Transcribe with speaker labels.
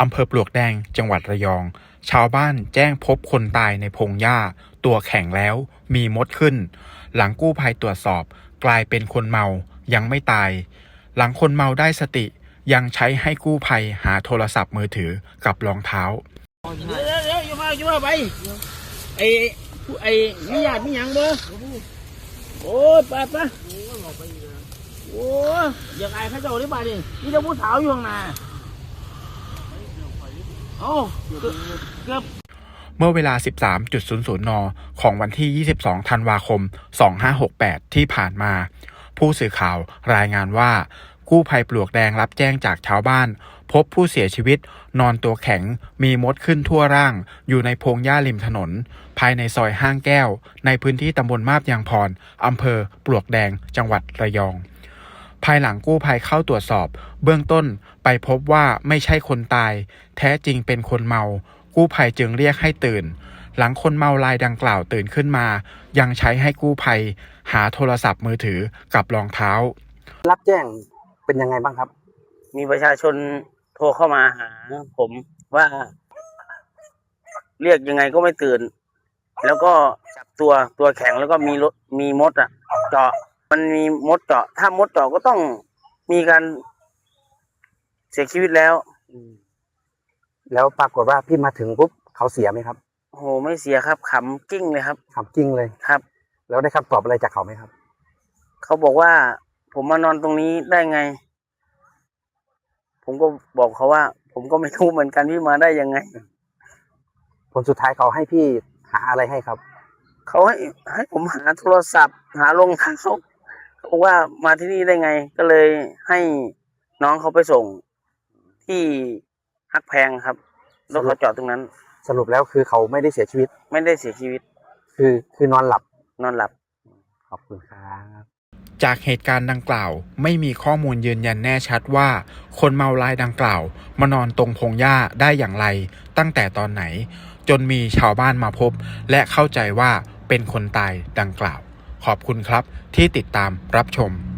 Speaker 1: อำเภอปลวกแดงจังหวัดระยองชาวบ้านแจ้งพบคนตายในพงหญ้าตัวแข็งแล้วมีมดขึ้นหลังกู้ภัยตรวจสอบกลายเป็นคนเมายังไม่ตายหลังคนเมาได้สติยังใช้ให้กู้ภัยหาโทรศัพท์มือถือกับรองเท้า
Speaker 2: เดี๋ยวอย่ามาไปไอ้มีญาติมีหยังบ่โอ้ยไปโอ้ยอยากอายเขาเจ้าได้ป่ะดินี่จะผู้สาวอยู่ข้างหน้าโอ้เกือบ
Speaker 1: เมื่อเวลา 13.00 น. ของวันที่ 22 ธันวาคม 2568 ที่ผ่านมาผู้สื่อข่าวรายงานว่ากู้ภัยปลวกแดงรับแจ้งจากชาวบ้านพบผู้เสียชีวิตนอนตัวแข็งมีมดขึ้นทั่วร่างอยู่ในพงหญ้าริมถนนภายในซอยห้างแก้วในพื้นที่ตำบลมาบยางพรอำเภอปลวกแดงจังหวัดระยองภายหลังกู้ภัยเข้าตรวจสอบเบื้องต้นไปพบว่าไม่ใช่คนตายแท้จริงเป็นคนเมากู้ภัยจึงเรียกให้ตื่นหลังคนเมารายดังกล่าวตื่นขึ้นมายังใช้ให้กู้ภัยหาโทรศัพท์มือถือกับรองเท้า
Speaker 3: รับแจ้งเป็นยังไงบ้างครับ
Speaker 2: มีประชาชนโทรเข้ามาหาผมว่าเรียกยังไงก็ไม่ตื่นแล้วก็จับตัวแข็งแล้วก็มีมดเจาะมันมีมดเจาะถ้ามดเจาะก็ต้องมีการเสียชีวิต
Speaker 3: แล้วปรากฏว่าพี่มาถึงปุ๊บเขาเสียไหมครับ
Speaker 2: โอ้โหไม่เสียครับขำกิ้งเลยครับ
Speaker 3: ขำกิ้งเลย
Speaker 2: ครับ
Speaker 3: แล้วได้คำตอบอะไรจากเขาไหมครับ
Speaker 2: เขาบอกว่าผมมานอนตรงนี้ได้ไงผมก็บอกเขาว่าผมก็ไม่รู้เหมือนกันพี่มาได้ยังไง
Speaker 3: ผลสุดท้ายเขาให้พี่หาอะไรให้ครับ
Speaker 2: เขาให้ผมหาโทรศัพท์หารองเท้าเขาบอกว่ามาที่นี่ได้ไงก็เลยให้น้องเขาไปส่งที่ฮักแพงครับรถเขาจอดตรงนั้น
Speaker 3: สรุปแล้วคือเขาไม่ได้เสียชีวิต
Speaker 2: ไม่ได้เสียชีวิต
Speaker 3: คือนอนหลับขอบคุณครับ
Speaker 1: จากเหตุการณ์ดังกล่าวไม่มีข้อมูลยืนยันแน่ชัดว่าคนเมารายดังกล่าวมานอนตรงพงหญ้าได้อย่างไรตั้งแต่ตอนไหนจนมีชาวบ้านมาพบและเข้าใจว่าเป็นคนตายดังกล่าวขอบคุณครับที่ติดตามรับชม